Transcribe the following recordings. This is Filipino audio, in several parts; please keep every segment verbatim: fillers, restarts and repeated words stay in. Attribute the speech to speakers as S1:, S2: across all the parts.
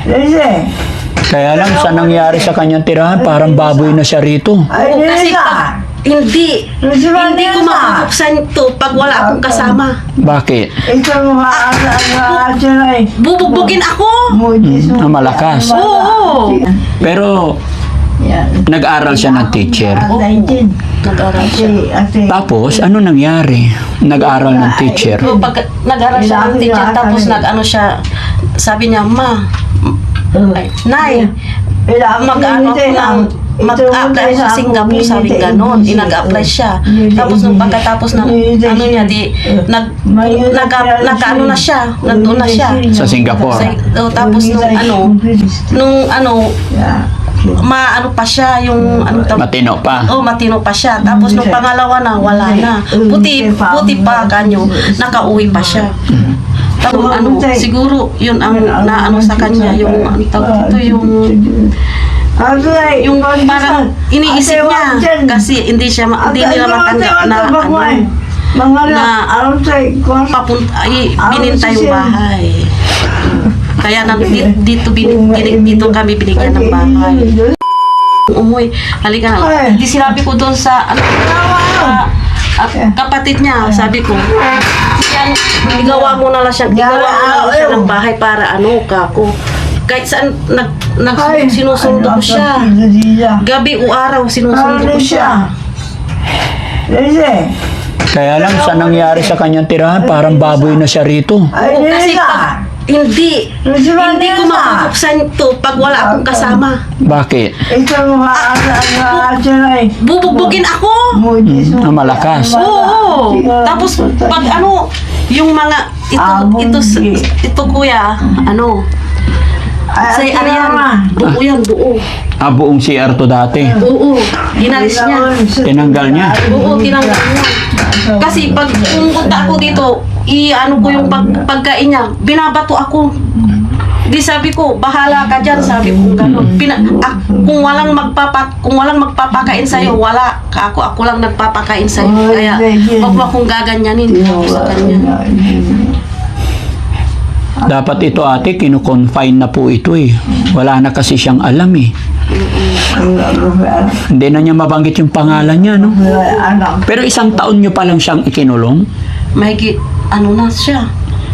S1: Kaya lang, sa nangyari sa kanyang tirahan, parang baboy na siya rito.
S2: Oo, kasi pag, hindi, hindi ko mabubuksan ito pag wala akong kasama.
S1: Bakit?
S2: Bubugbugin ako.
S1: Hmm, ah, malakas.
S2: Oo.
S1: Pero, nag-aral siya ng teacher.
S2: Nag-aral siya.
S1: Tapos, ano nangyari? Nag-aral ng teacher.
S2: So, pag nag-aral siya ng teacher, tapos nag-ano siya, sabi niya, Ma, ay, Nay, mag-ano ako ng, mag-apply sa Singapore, sabi ganon, inag-apply siya. Tapos nung pagkatapos ng ano niya, di, nag, nag, nag-ano na siya, nandun na siya.
S1: Sa Singapore.
S2: Sa, oh, tapos nung ano, nung ano, maano pa siya, yung ano tawag-
S1: Matino pa.
S2: Oh, matino pa siya. Tapos nung pangalawa na, wala na. Puti, puti pa kanyo, nakauwi pa siya. Tapos ano, siguro yun ang naano sa kanya, yung ano tawag ito, yung yung parang iniisip niya kasi hindi siya ma- hindi nila matanggap na ano na papunta ay bininta yung bahay. Kaya nang dito, dito, bin, bin, dito kami binigyan ng bahay. Umuwi, halika na. Hindi sinabi ko doon sa ano, sa at kapatid niya, sabi ko, yan, igawa mo na lang siya, igawa mo na lang siya ng bahay para ano, kako. Kahit saan, nag, nag, sinusundo ko siya. Gabi o araw, sinusundo ko siya.
S1: Kaya lang, sa nangyari sa kanyang tirahan, parang baboy na siya rito.
S2: Oo, kasi pag, hindi, hindi ko mabubuksan ito pag wala akong kasama.
S1: Bakit?
S2: Bubugbugin ako.
S1: Hmm, ah, malakas.
S2: Oo. Tapos pag ano, yung mga ito ito ito kuya, ano? Say ano yan? Buo yan, buo.
S1: Ah, buong C R to dati.
S2: Oo. Ginalis niya.
S1: Tinanggal niya.
S2: Oo, tinanggal niya. Kasi pag pumunta ako dito, i-ano ko yung pag, pagkain niya, binabato ako. Di sabi ko, bahala ka dyan, sabi ko gano'n. Pina, ah, kung walang magpapa, kung walang magpapakain sa'yo, wala. Ako, ako lang nagpapakain sa'yo. Kaya, wag mo akong gaganyanin ako sa kanya.
S1: Dapat ito ate, kinu-confine na po ito eh. Wala na kasi siyang alam eh. Hindi na niya mabanggit yung pangalan niya, no? Pero isang taon niyo pa lang siyang ikinulong?
S2: Mahigit, ano na siya?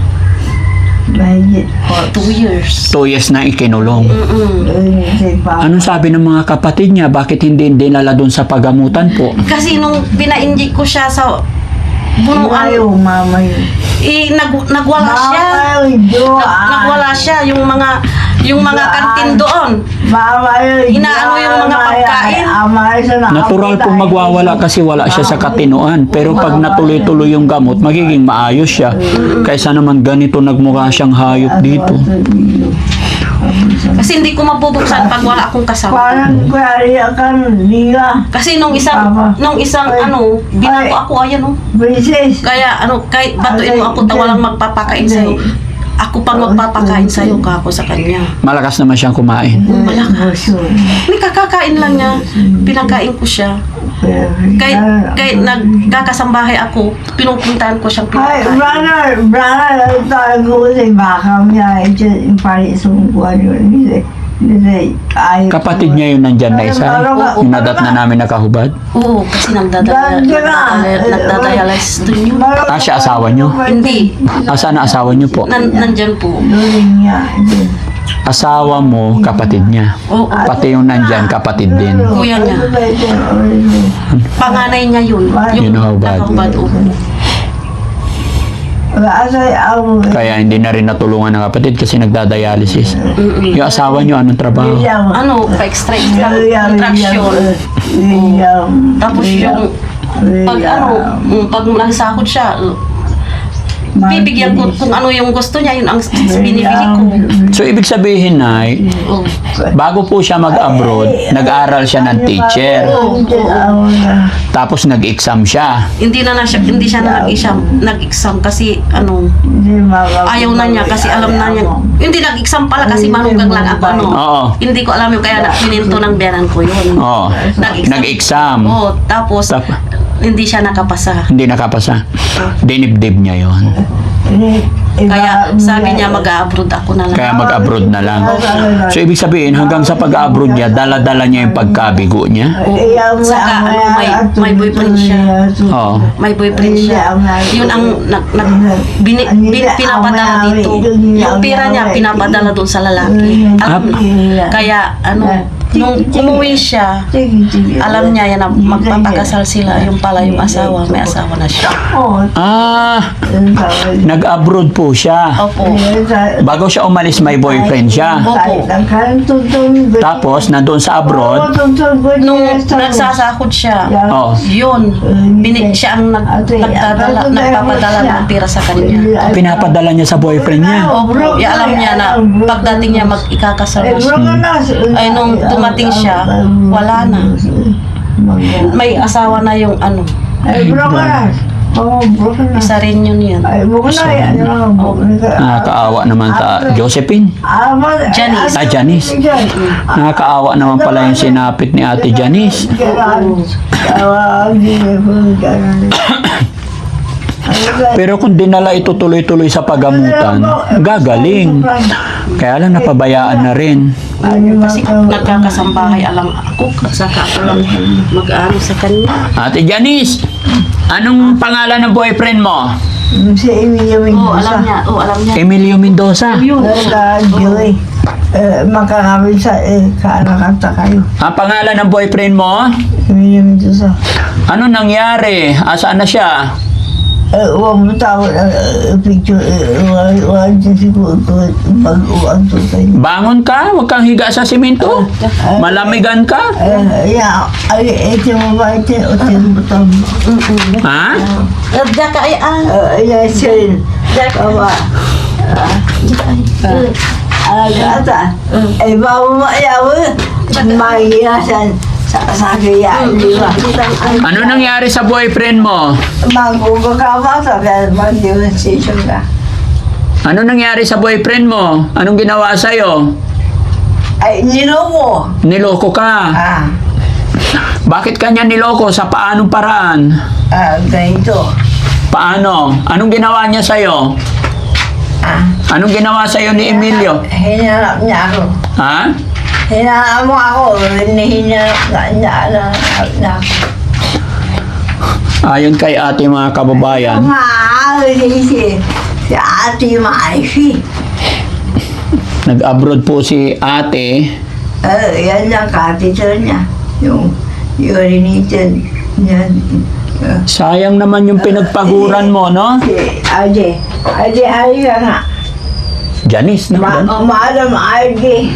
S2: Two years.
S1: Two years na ikinulong.
S2: Mm-mm.
S1: Anong sabi ng mga kapatid niya? Bakit hindi dinala doon sa pagamutan po?
S2: Kasi nung pina-inject ko siya sa bunuan, eh, nag, nagwala siya. Nag, nagwala siya. Yung mga, yung mga kantin doon. Inaano yung mga pagkain.
S1: Natural pong magwawala kasi wala siya sa katinoan. Pero pag natuloy-tuloy yung gamot, magiging maayos siya. Kaysa naman ganito nagmukha siyang hayop dito.
S2: Kasi hindi ko mabubuksan pag wala akong kasama.
S3: Parang kaya kan nila.
S2: Kasi nung isang, nung isang ano, binato ako, ayan oh.
S3: Princess.
S2: Kaya ano, kahit batuin mo ako, tawalang magpapakain sa'yo. Ako pang magpapakain sa'yo, kako sa kanya.
S1: Malakas naman siyang kumain.
S2: Malakas. May kakakain lang niya, pinakain ko siya. Kahit, kahit nagkakasambahay ako, pinupuntahan ko siyang
S3: Ay,
S2: pinakain.
S3: brother, brother, tayo ko sa bakam niya, ito yung pari sa buwan yun.
S1: Kapatid niya yun nandyan na isa. Yung nadat na namin nakahubad.
S2: Oo, kasi nagdadialysis to niyo.
S1: Ah, siya asawa niyo?
S2: Hindi,
S1: Asan na asawa niyo po?
S2: nan, nandyan po.
S1: Asawa mo, kapatid niya.
S2: Oo,
S1: Pati yung nandyan, kapatid din.
S2: kuya niya. Panganay niya yun.
S1: Yun ang hubad.
S2: nakahubad, oo.
S3: Kaya
S1: Kaya hindi na rin natulungan ng kapatid kasi nagdadialysis. Yung asawa niyo, anong trabaho?
S2: Ano, pa-extract lang, contraction. Tapos yung, pag ano, mm, pag nagsakot siya, bibigyan ko kung ano yung gusto niya, yun ang binibili ko.
S1: So, ibig sabihin na,
S2: Oo.
S1: bago po siya mag-abroad, nag-aral siya ng teacher. Tapos nag-exam siya.
S2: Hindi na na siya, hindi siya na nag-exam, nag-exam kasi ano, ayaw na niya kasi alam na niya. Hindi nag-exam pala kasi manugang lang ako ano.
S1: Oo.
S2: Hindi ko alam yung kaya na pininto ng biyanan ko yun.
S1: Oo.
S2: Nag-exam.
S1: Nag-exam.
S2: Oo, tapos
S1: Tap-
S2: hindi siya nakapasa.
S1: Hindi nakapasa. Dinibdib niya yon.
S2: Kaya sabi niya mag-abroad ako na lang.
S1: Kaya mag-abroad na lang. So, ibig sabihin, hanggang sa pag-abroad niya, dala-dala niya yung pagkabigo niya?
S2: Saka ano, may, may boyfriend siya.
S1: Oo.
S2: May boyfriend siya. Yun ang nag, nag, bini, bin, pinapadala dito. Yung pera niya pinapadala doon sa lalaki. Alam, kaya ano, nung umuwi siya, alam niya yan na magpapakasal sila. Yung pala yung asawa, may asawa na siya.
S1: Ah, nag-abroad po siya.
S2: Opo.
S1: Bago siya umalis, may boyfriend siya. Tapos, nandun sa abroad,
S2: Nung nagsasahod siya,
S1: oh,
S2: yun, bini, siya ang nag, nagdadala, nagpapadala ng pera sa kanya.
S1: pinapadala niya sa boyfriend niya.
S2: Opo, ya, alam niya na pagdating niya mag-ikakasal na siya. Ay, nung dumating siya, wala na. May asawa na yung ano, isa rin yun yan.
S1: Nakakaawa naman ta Josephine.
S2: Janice.
S1: Ah, Janice. Nakakaawa naman pala yung sinapit ni Ate Janice. Pero kung dinala ito tuloy-tuloy sa pagamutan, gagaling. Kaya lang napabayaan na rin.
S2: Kasi nagkakasambahay, alam ako, saka ako lang mag-ano sa kanya.
S1: Ate Janice, anong pangalan ng boyfriend mo?
S3: Si Emilio
S2: Oo, alam
S3: Mendoza.
S2: niya, oo, alam niya.
S1: Emilio Mendoza.
S2: Yun.
S3: Nagka-joy. Makakawin sa eh, kaanak-ata kayo.
S1: Ang pangalan ng boyfriend mo?
S3: Emilio Mendoza.
S1: Ano nangyari? Asaan na siya?
S3: Eh, huwag mo tawag ang picture. Huwag dyan siguro mag-uwag to tayo.
S1: Bangon ka? Huwag kang higa sa simento. Malamigan ka?
S3: Eh, yeah. Ay, ito mo ba ito? O tinutang.
S1: Ha?
S2: Daka ay, ah.
S3: Eh, yeah, sir. Kawa. Alagata. Eh, bago maayaw. Mahirasan. Sa sa kaya, di ba?
S1: Ano nangyari sa boyfriend mo?
S3: Magugagawa sa kaya mag-demonstration ka.
S1: Ano nangyari sa boyfriend mo? Anong ginawa sa'yo?
S3: Ay, niloko.
S1: Niloko ka.
S3: Ah,
S1: Bakit kanya niloko? Sa paanong paraan?
S3: ah, ganito.
S1: Paano? Anong ginawa niya sa'yo?
S3: Ah,
S1: Anong ginawa sa'yo ni Emilio?
S3: hinarap niya ako.
S1: Ha?
S3: Hinarap mo ako. Hinarap na niya na, na ako.
S1: Ayon kay ate mga kababayan,
S3: Maaari si, si Ate Maifi.
S1: nag-abroad po si ate.
S3: Eh, yan lang katito niya. Yung urinated niya. Uh,
S1: Sayang naman yung pinagpaguran mo, no?
S3: si Ade. Ade, hari ka nga.
S1: Janice
S3: Ma
S1: naman.
S3: Madam Ade.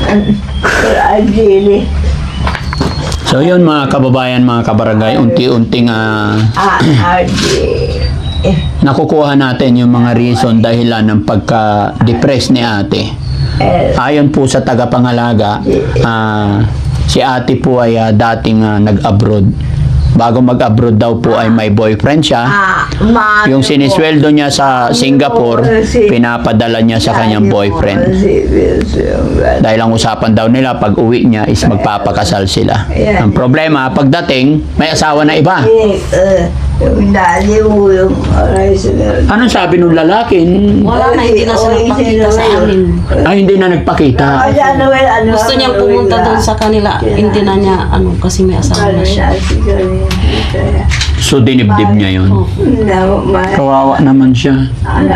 S3: Ade.
S1: So yun mga kababayan, mga kabarangay, unti-unting ah,
S3: Ah, Ade. Eh,
S1: nakukuha natin yung mga reason dahilan ng pagka-depress ni ate.
S3: eh,
S1: Ayon po sa tagapangalaga, ah, si ate po ay ah, dating ah, nag-abroad. Bago mag-abroad daw po ay may boyfriend siya.
S3: ah, ma-
S1: Yung sinisweldo niya sa Singapore, pinapadala niya sa kanyang boyfriend. Dahil ang usapan daw nila pag uwi niya is magpapakasal sila. Ang problema, pagdating, may asawa na iba.
S3: Eh, eh, yung dali mo yung aray sa
S1: Anong sabi nung lalaki?
S2: Wala na, hindi na siya nagpakita sa amin.
S1: Ay, hindi na nagpakita.
S2: Gusto niyang pumunta doon sa kanila, hindi na niya, ano, kasi may asawa na siya.
S1: So, dinibdib niya yun.
S2: Oh.
S1: Kawawa naman siya.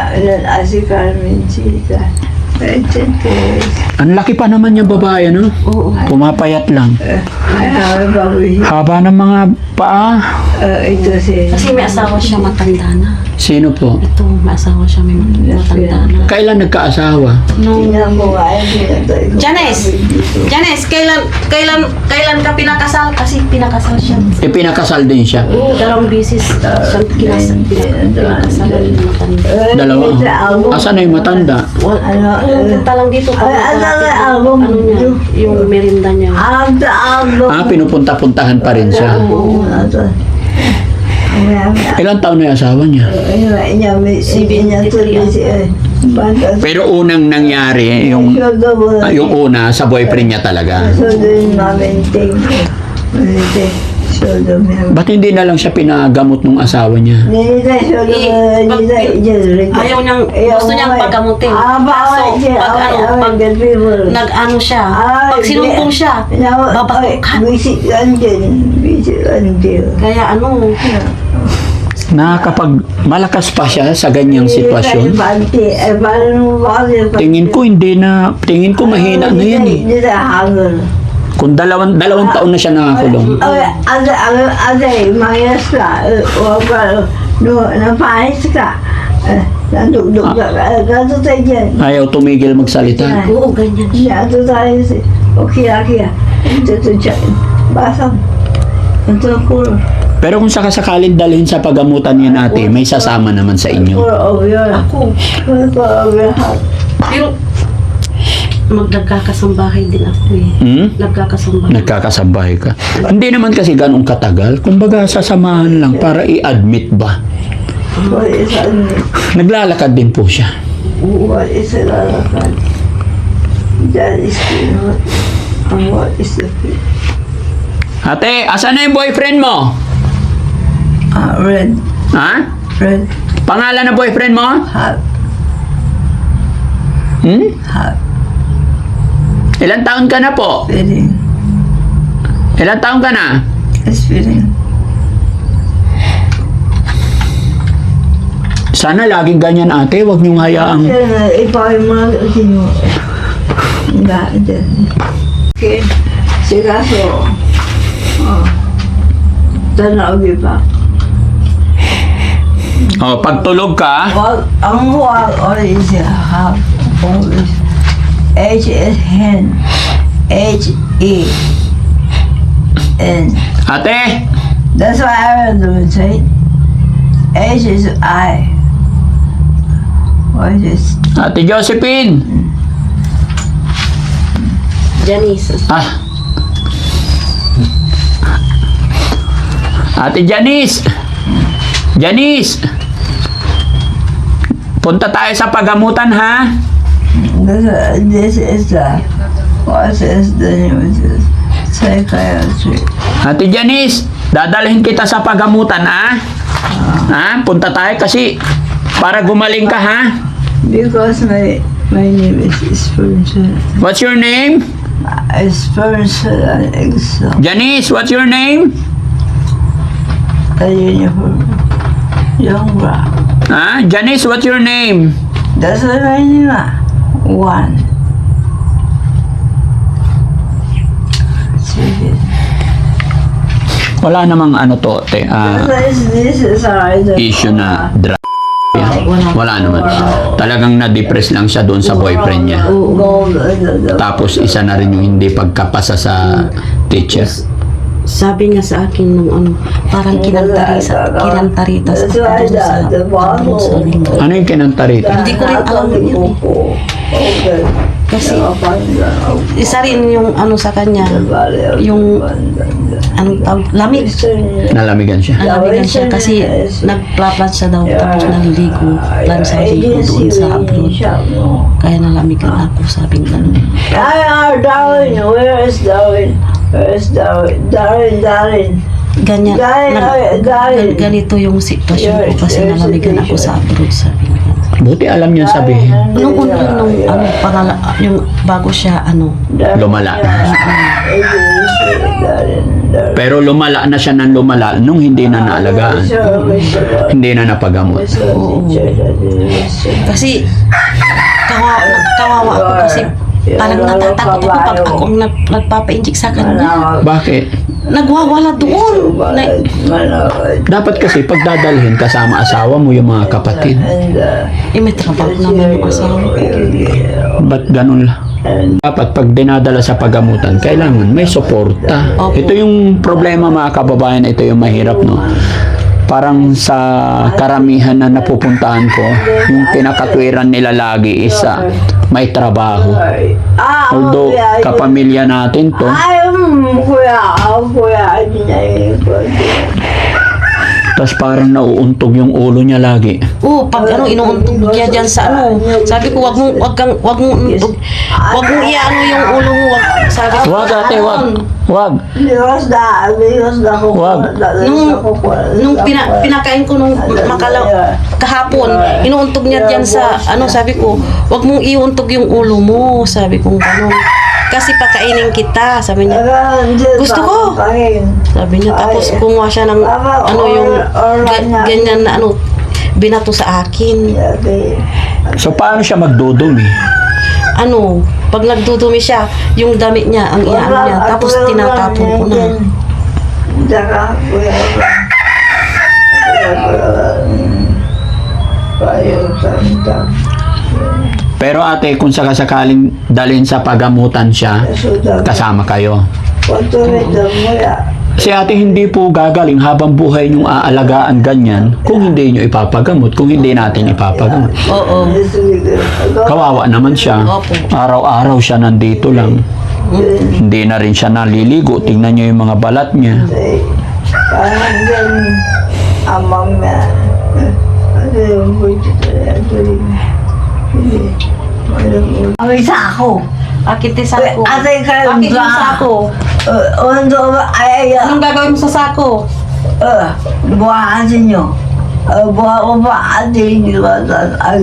S1: Ang laki pa naman yung babae, no?
S2: Oo.
S1: Pumapayat lang. Haba ng mga paa.
S3: Ito si...
S2: Kasi may asawa siya, matanda na.
S1: Sino po?
S2: Ito, may asawa siya, may matanda na.
S1: Kailan nagkaasawa?
S2: Nung
S3: Tingnan mo nga, ito.
S2: Janice! Janice, kailan, kailan, kailan ka pinakasal? Kasi pinakasal siya.
S1: Ipinakasal din siya.
S2: Dalawang bisis siyang kinasal, pinakasal ng matanda.
S1: Dalawa. Asan na yung matanda?
S2: Wala, pumunta lang dito.
S3: Ay, ano na album?
S2: Ano niya, yung merinda niya.
S3: Ang taalo.
S1: Ah, pinupunta-puntahan pa rin siya.
S3: Oo, ito.
S1: Ilang taon na yung asawa niya? Pero unang nangyari, yung, ah, yung una, sa boyfriend niya talaga.
S3: So, din ma-maintain ko. Solo me.
S1: Ba't hindi na lang siya pinagamot ng asawa niya?
S3: Nilita solo
S2: Eh, pag-
S3: nilita ijazurita.
S2: Ayaw niyang, gusto niyang pagamutin.
S3: Ah, bawal
S2: Kaso,
S3: siya.
S2: pag ano, pag nag-ano siya, pag sinumpong siya, babatukan.
S3: Visit London. Visit London.
S2: Kaya ano,
S1: Na kapag malakas pa siya sa ganyang sitwasyon, tingin ko hindi na, tingin ko mahina na yan eh.
S3: Hindi na hangul.
S1: Kung dalawang, dalawang taon na siya nakakulong.
S3: Ada, ada, ada, mayas ka. Wala, no, napahis ka. Nandugdug ka. Gato tayo dyan.
S1: Ayaw tumigil magsalita.
S2: oo, ganyan.
S3: Gato tayo si. Okay, okay. Ito, ito, dyan. Basang. Ito, kulo.
S1: Pero kung sakasakalin dalhin sa pagamutan niya natin, may sasama naman sa inyo.
S3: Kulo over yun.
S2: Ako,
S3: Kulo over heart.
S2: pero, magdagkakasambahay din ako eh.
S1: Hmm?
S2: Nagkakasambahay.
S1: Nagkakasabahay ka. Hindi naman kasi ganong katagal. Kumbaga, sasamahan lang para i-admit ba.
S3: What is that?
S1: Naglalakad din po siya.
S3: What is a lalakad? That is not. And what is the
S1: Ate, asan na yung boyfriend mo?
S3: Ah, red,
S1: Ha?
S3: red,
S1: Pangalan ng boyfriend mo?
S3: hot,
S1: Hmm?
S3: hot,
S1: Ilang taon ka na po?
S3: feeling,
S1: Ilang taon ka na?
S3: it's feeling.
S1: Sana laging ganyan ate, huwag niyong hayaang...
S3: Ipawin mo lang kasi mo. Nga, dyan. Okay, sikaso. Oh. Tanaw pa.
S1: Oh, pag tulog ka,
S3: Wag, ang wag, or is a half, always. H is hen. H E N.
S1: ate,
S3: That's why I will say H is I. What is
S1: ate Josephine.
S2: Janice.
S1: Ah. Ate Janice. Janice. Punta tayo sa pagamutan ha.
S3: this? This is the what is the name of this? Psychiatry.
S1: Ate Janice, dadalhin kita sa pagamutan ha. Ha? Punta tayo kasi para gumaling ka ha.
S3: Because my my name is Spiritual.
S1: What's your name?
S3: Spiritual and exam.
S1: Janice, what's your name?
S3: A uniform. Young bra.
S1: Ha? Janice, what's your name?
S3: That's what I name. One. Sige.
S1: Wala namang ano to, te, ah,
S3: This, this is our
S1: issue na drug. Wala naman. Talagang na-depress lang siya doon sa boyfriend niya.
S3: gold.
S1: Tapos isa na rin yung hindi pagkapasa sa teacher.
S2: Sabi niya sa akin nung ano, parang kinantarita, kinantarita sa doon sa, doon sa linggo.
S1: Ano yung kinanta rito?
S2: Hindi ko rin alam yun eh.
S3: Okay.
S2: Kasi isa rin yung ano sa kanya, yung anong tawag, lamig.
S1: Nalamigan siya.
S2: Nalamigan siya kasi nagpla-plan siya daw tapos naliligo. Plan sa ligo doon sa abroad. Kaya nalamigan ako, sabi nga gano'n.
S3: Ay, ah, Darwin, where is Darwin? Where is Darwin? Darwin, Darwin.
S2: Ganyan,
S3: Dahil,
S2: nag-
S3: ay, dahil.
S2: gan- ganito yung sitwasyon ko kasi nalamigan ako sa abroad, sabi nga.
S1: Buti alam niyo sabihin.
S2: Nung una, nung ano, pangala, yung bago siya, ano,
S1: Lumala.
S3: Darwin, Darwin.
S1: Pero lumala na siya ng lumala nung hindi na naalagaan. Hindi na napagamot.
S2: kasi kawawa, kawawa ako kasi parang natatakot ako pag ako ang nag, nagpapa-inject sa kanya.
S1: Bakit?
S2: Nagwawala doon. Na,
S1: Dapat kasi pagdadalhin kasama asawa mo yung mga kapatid.
S3: And, uh,
S2: eh, may trabaho naman yung asawa ko.
S1: Ba't ganun lang? Dapat pag dinadala sa pagamutan, kailangan may suporta.
S2: Opo.
S1: Ito yung problema mga kababayan, ito yung mahirap, no? Parang sa karamihan na napupuntahan ko, yung kinakatwiran nila lagi is ah, may trabaho.
S3: ah,
S1: Although
S3: kuya, yun.
S1: kapamilya natin to,
S3: Ay, um, kuya, ah, kuya, hindi na yun.
S1: Tapos parang nauuntog yung ulo niya lagi.
S2: Oo, pag ano, inuuntog niya dyan sa ano. Sabi ko, wag mong, wag kang, wag mong, wag mong iano yung ulo mo. Wag, sabi ko,
S1: Wag ate, wag. Wag.
S3: Biwas na, biwas na ko.
S1: Wag.
S2: Nung, nung pina, pinakain ko nung makalaw, kahapon, inuuntog niya dyan sa, ano, sabi ko, wag mong iuntog yung ulo mo. Sabi ko, ano, kasi pakainin kita. Sabi niya, gusto ko. Sabi niya, tapos kumuha siya ng, ano, yung, ga- ganyan na, ano, binato sa akin.
S1: So paano siya magdudumi?
S2: Ano, pag nagdudumi siya, yung damit niya, ang iano niya, tapos tinatapon ko na.
S3: Saka, kuya ba? Payo, santa.
S1: Pero ate, kung sakasakaling dalhin sa pagamutan siya, kasama kayo. Si ate hindi po gagaling habang buhay niyong aalagaan ganyan kung hindi niyo ipapagamot, kung hindi natin ipapagamot.
S2: Oo.
S1: Kawawa naman siya.
S2: Opo.
S1: Araw-araw siya nandito lang. Hindi na rin siya naliligo. Tingnan niyo yung mga balat niya.
S3: Parang dyan, amang na. Ano yung buti talaga? Ang isa ako.
S2: Bakit yung sako?
S3: Ate, kayo
S2: Bakit yung
S3: ba?
S2: sako?
S3: Undo ba? Ay, ay,
S2: Anong gagawin mo sa sako?
S3: uh, buha kasi nyo. Uh, buha ko ba ate nyo ba? Ay,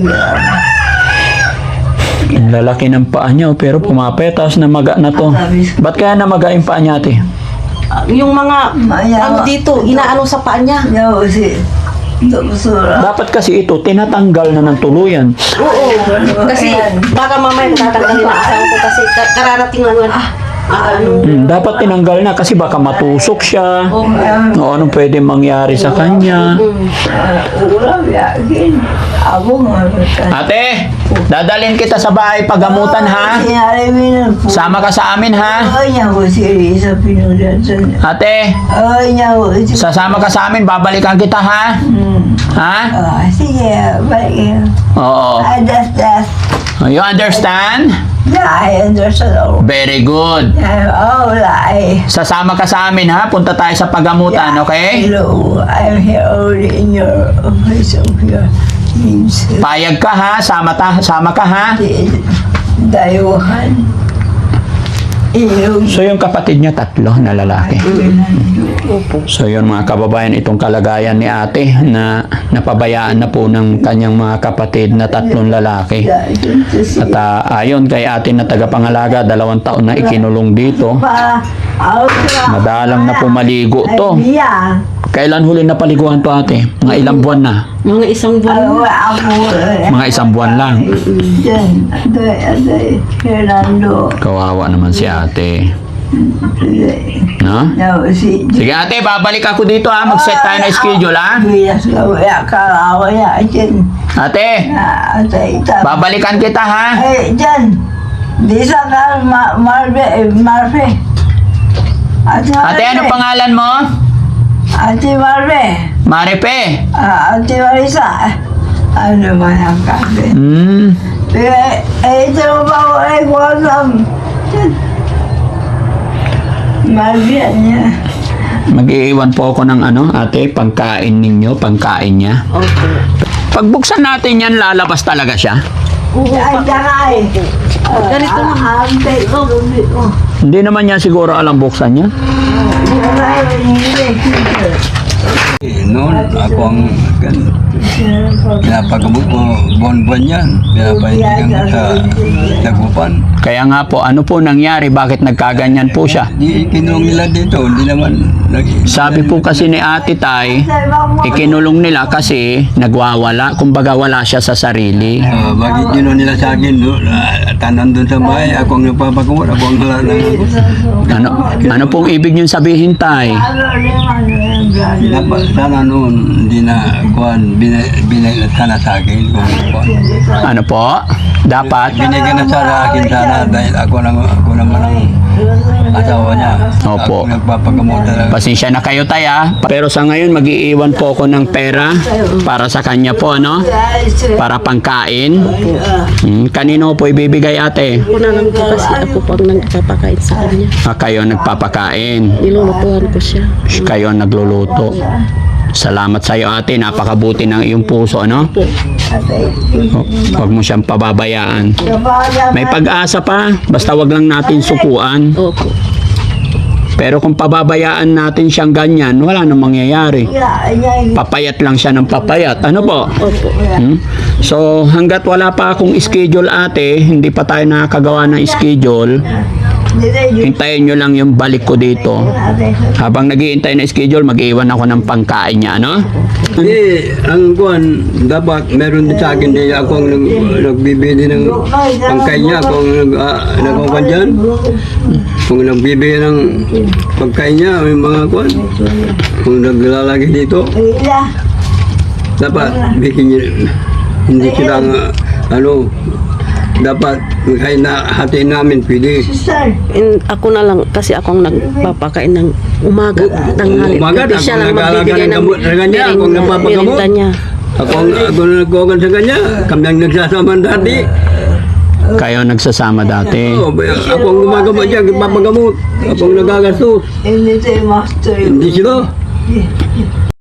S1: Ang lalaki ng paa niya, oh, pero pumapetas na maga na to. Ba't kaya namaga yung paa niya, ate?
S2: Ah, yung mga,
S3: Maya-
S2: ano dito, inaano sa paa niya.
S3: nyo si Doktora.
S1: Dapat kasi ito, tinatanggal na ng tuluyan.
S2: Oo. Kasi, baka mamaya tatanggalin na asawa ko kasi ka- kararating lang yan. Ah, ah, ano.
S1: Hmm, dapat tinanggal na kasi baka matusok siya.
S2: Oo.
S1: O anong pwede mangyari sa kanya.
S2: Mm.
S3: Ulam yakin. Ako nga.
S1: Ate, dadalhin kita sa bahay pagamutan ha.
S3: Sinari mo na po.
S1: Sama ka sa amin ha.
S3: Ay, niya ko si Risa pinulan sa niya.
S1: Ate,
S3: Ay, niya ko si...
S1: sasama ka sa amin, babalikan kita ha.
S3: Hmm.
S1: Ha?
S3: Ah, sige, balik.
S1: Oo.
S3: I just, just,
S1: You understand?
S3: yeah, I understand all.
S1: Very good.
S3: I'm all I.
S1: Sasama ka sa amin ha. Punta tayo sa pagamutan, okay?
S3: Hello, I'm here only in your office of your needs.
S1: Payag ka ha. Sama, ta, sama ka ha.
S3: Dayuhan. Ilog.
S1: So yung kapatid niya tatlo na lalaki. So yun mga kababayan, itong kalagayan ni ate na napabayaan na po ng kanyang mga kapatid na tatlong lalaki. At uh, ayon kay ate na tagapangalaga, dalawang taon na ikinulong dito.
S3: Pa,
S1: Madalang na po maligo to.
S3: Yeah.
S1: Kailan huli na paliguan to ate? Mga ilang buwan na?
S2: Mga isang buwan.
S3: Ako,
S1: Mga isang buwan lang.
S3: Diyan, aday, aday, Fernando.
S1: Kawawa naman si ate. No?
S3: No, si...
S1: Sige ate, babalik ako dito ha. Mag-set tayo na schedule ha.
S3: Bilas ka, wala ka, wala, dyan.
S1: Ate,
S3: Ah, atay, tama.
S1: babalikan kita ha.
S3: Eh, dyan. Di sa ka, ma Marve, eh, Marve. Ate Marve.
S1: Ate, ano pangalan mo?
S3: Ate Marve.
S1: Maripe.
S3: Ah, Ate Marisa. Ano man ang kabe?
S1: Hmm.
S3: Eh, eh, ito ba ko, eh, kwasam. Dyan. Marve, niya.
S1: Mag-iiwan po ako ng ano, ate, pangkain ninyo, pangkain niya.
S2: Okay.
S1: Pagbuksan natin yan, lalabas talaga siya.
S3: Ay, dakay.
S2: Ganito lang.
S3: Ante ko, bumili ko.
S1: Hindi naman niya siguro alam buksan niya.
S3: Dakay, hindi.
S4: Noon, ako ang gan- pinapagamot ko buwan-buwan yan. Pinapahintigan ko sa Dagupan.
S1: Kaya nga po, ano po nangyari? Bakit nagkaganyan po siya?
S4: Di ikinulong nila dito, hindi naman nag-
S1: Sabi po kasi ni Ate Tay, ikinulong nila kasi nagwawala. Kumbaga wala siya sa sarili.
S4: Ah, bakit yun nila sa akin, no? Ah, tanan doon sa bahay, ako ang nagpapagamot, ako ang hala ng...
S1: Ano, ano pong ibig niyong sabihin, Tay?
S4: Dapat sana noon, hindi na, kuhan, binay, binay na sana sa akin, kung kuhan.
S1: Ano po? Dapat?
S4: Binigyan na sana akin sana, dahil ako, na, ako naman ang asawa niya.
S1: Opo.
S4: Ako nagpapagamot talaga.
S1: Pasensya na kayo, Tay, ah. Pero sa ngayon, mag-iiwan po ako ng pera para sa kanya po, ano? Para pangkain. Hmm, kanino po ibibigay, ate?
S2: Ako na lang po kasi ako pang nagpapakain sa kanya.
S1: Ah, kayo nagpapakain.
S2: Nilulutuhan ko siya.
S1: Kayo nagluluto. Salamat sa iyo, ate. Napakabuti ng iyong puso, ano?
S3: Ate,
S1: Huwag mo siyang pababayaan.
S3: kapag
S1: May pag-asa pa, basta wag lang natin sukuan.
S2: Opo.
S1: Pero kung pababayaan natin siyang ganyan, wala nang mangyayari. Papayat lang siya ng papayat. Ano po?
S2: Opo.
S1: Hmm? So, hanggat wala pa akong schedule, ate, hindi pa tayo nakakagawa ng schedule, hintayin nyo lang yung balik ko dito. Habang naghihintay na schedule, mag-iwan ako ng pangkain niya, ano?
S4: Hindi, ang kuhan, dapat meron din sa akin din ako ang nag, nagbibili ng pangkain niya, kung nag, uh, nagkuhan dyan. Kung nagbibili ng pagkain niya, yung mga kuhan, kung naglalagay dito, dapat bigyan niya, hindi sila nga, ano, dapat kahit na hatiin namin, pwede.
S2: In, ako na lang, kasi ako ang nagpapakain ng umaga, tanghali.
S4: Umaga,
S2: Hindi siya
S4: ako
S2: lang
S4: nag-aalaga
S2: magbibigay
S4: ng
S2: ng
S4: gamot sa kanya, ako ang nagpapagamot.
S2: merinda niya.
S4: Ako, ang- ako na nagkuhan sa kanya, kami ang nagsasama dati.
S1: Kayo nagsasama dati.
S4: Oh, ako ang gumagamot siya, papagamot. Ako ang nagagastos.
S3: Hindi tayo master.
S4: Hindi sila.